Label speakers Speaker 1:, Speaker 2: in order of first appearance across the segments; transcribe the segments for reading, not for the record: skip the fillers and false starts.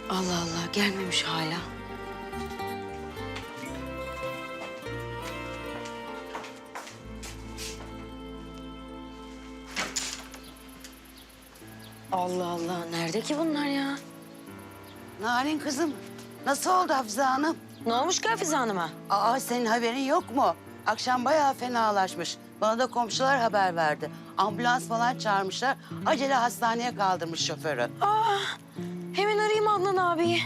Speaker 1: Allah Allah, gelmemiş hala. Allah Allah, nerede ki bunlar ya?
Speaker 2: Narin kızım, nasıl oldu Hafize Hanım?
Speaker 1: Ne olmuş ki Hafize Hanım'a?
Speaker 2: Aa, senin haberin yok mu? Akşam bayağı fenalaşmış. Bana da komşular haber verdi. Ambulans falan çağırmışlar. Acele hastaneye kaldırmış şoförü.
Speaker 1: Hemen arayayım Adnan abiyi.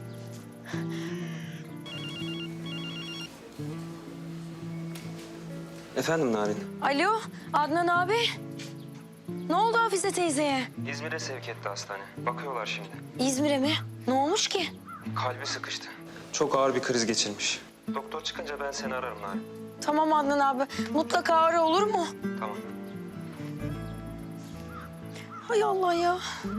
Speaker 3: Efendim Narin?
Speaker 1: Alo, Adnan abi. Ne oldu Hafize teyzeye?
Speaker 3: İzmir'e sevk etti hastane. Bakıyorlar şimdi.
Speaker 1: İzmir'e mi? Ne olmuş ki?
Speaker 3: Kalbi sıkıştı. Çok ağır bir kriz geçirmiş. Doktor çıkınca ben seni ararım Narin.
Speaker 1: Tamam Adnan abi, mutlaka ara, olur mu?
Speaker 3: Tamam.
Speaker 1: Hay Allah ya.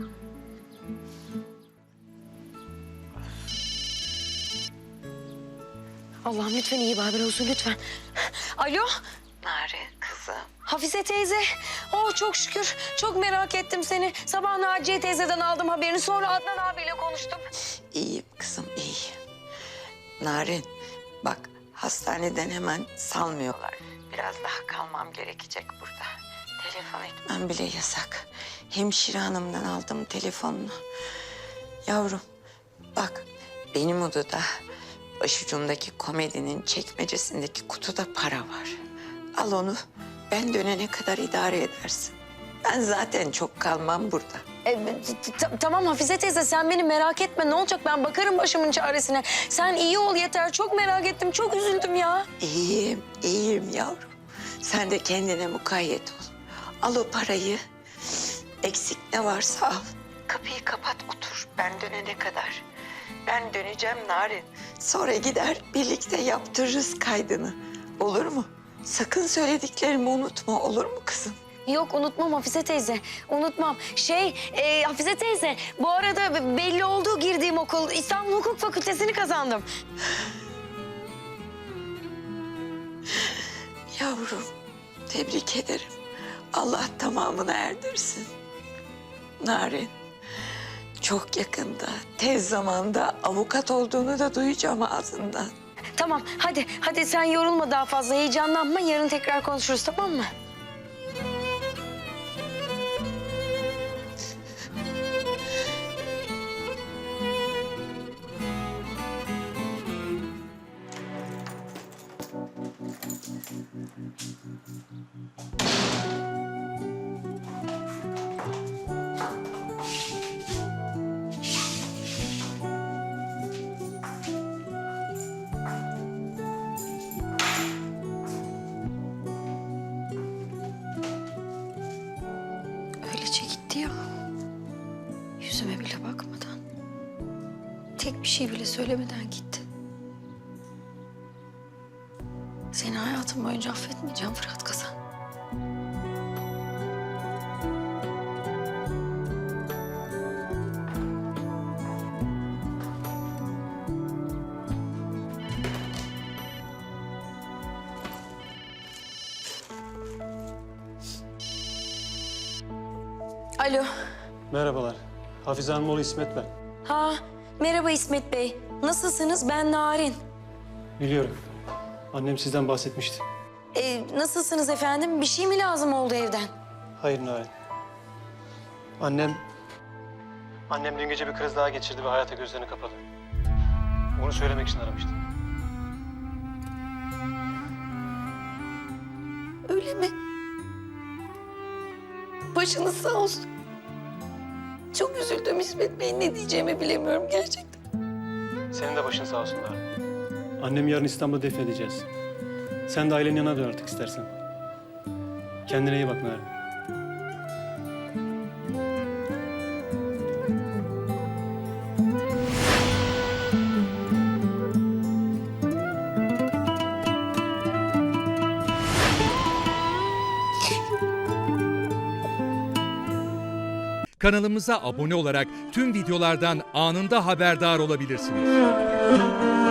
Speaker 1: Allah'ım lütfen iyi bir haber olsun lütfen. Alo.
Speaker 2: Narin kızım.
Speaker 1: Hafize teyze. Oh çok şükür. Çok merak ettim seni. Sabah Naciye teyzeden aldım haberini. Sonra Adnan abiyle konuştum.
Speaker 4: İyiyim kızım, iyiyim. Narin, bak hastaneden hemen salmıyorlar. Biraz daha kalmam gerekecek burada. Telefon etmem bile yasak. Hemşire hanımdan aldım telefonunu. Yavrum, bak benim odada başucumdaki komedinin çekmecesindeki kutuda para var. Al onu, ben dönene kadar idare edersin. Ben zaten çok kalmam burada.
Speaker 1: Tamam Hafize teyze sen beni merak etme. Ne olacak, ben bakarım başımın çaresine. Sen iyi ol yeter. Çok merak ettim. Çok üzüldüm ya.
Speaker 4: İyiyim, iyiyim yavrum. Sen de kendine mukayyet ol. Al o parayı. Eksik ne varsa al. Kapıyı kapat otur. Ben dönene kadar. Ben döneceğim Narin. Sonra gider birlikte yaptırırız kaydını. Olur mu? Sakın söylediklerimi unutma, olur mu kızım?
Speaker 1: Yok unutmam Hafize teyze. Unutmam. Hafize teyze bu arada belli oldu girdiğim okul. İstanbul Hukuk Fakültesini kazandım.
Speaker 4: Yavrum, tebrik ederim. Allah tamamını erdirsin. Narin, çok yakında, tez zamanda avukat olduğunu da duyacağım ağzından.
Speaker 1: Tamam hadi sen yorulma daha fazla. Heyecanlanma, yarın tekrar konuşuruz, tamam mı? Öylece gitti ya. Yüzüme bile bakmadan. Tek bir şey bile söylemeden gitti. Seni hayatım boyunca affetmeyeceğim Fırat Kazan. Alo.
Speaker 5: Merhabalar. Hafize Hanım oğlu İsmet ben.
Speaker 1: Ha, merhaba İsmet Bey. Nasılsınız? Ben Narin.
Speaker 5: Biliyorum. Annem sizden bahsetmişti.
Speaker 1: Nasılsınız efendim? Bir şey mi lazım oldu evden?
Speaker 5: Hayır Narin. Annem dün gece bir kriz daha geçirdi ve hayata gözlerini kapadı. Onu söylemek için aramıştım.
Speaker 1: Öyle mi? Başınız sağ olsun. Çok üzüldüm İsmet Bey. Ne diyeceğimi bilemiyorum gerçekten.
Speaker 5: Senin de başın sağ olsun Narin. Annemi yarın İstanbul'da defnedeceğiz. Sen de ailenin yanına dön artık istersen. Kendine iyi bak Narin.
Speaker 6: Kanalımıza abone olarak tüm videolardan anında haberdar olabilirsiniz.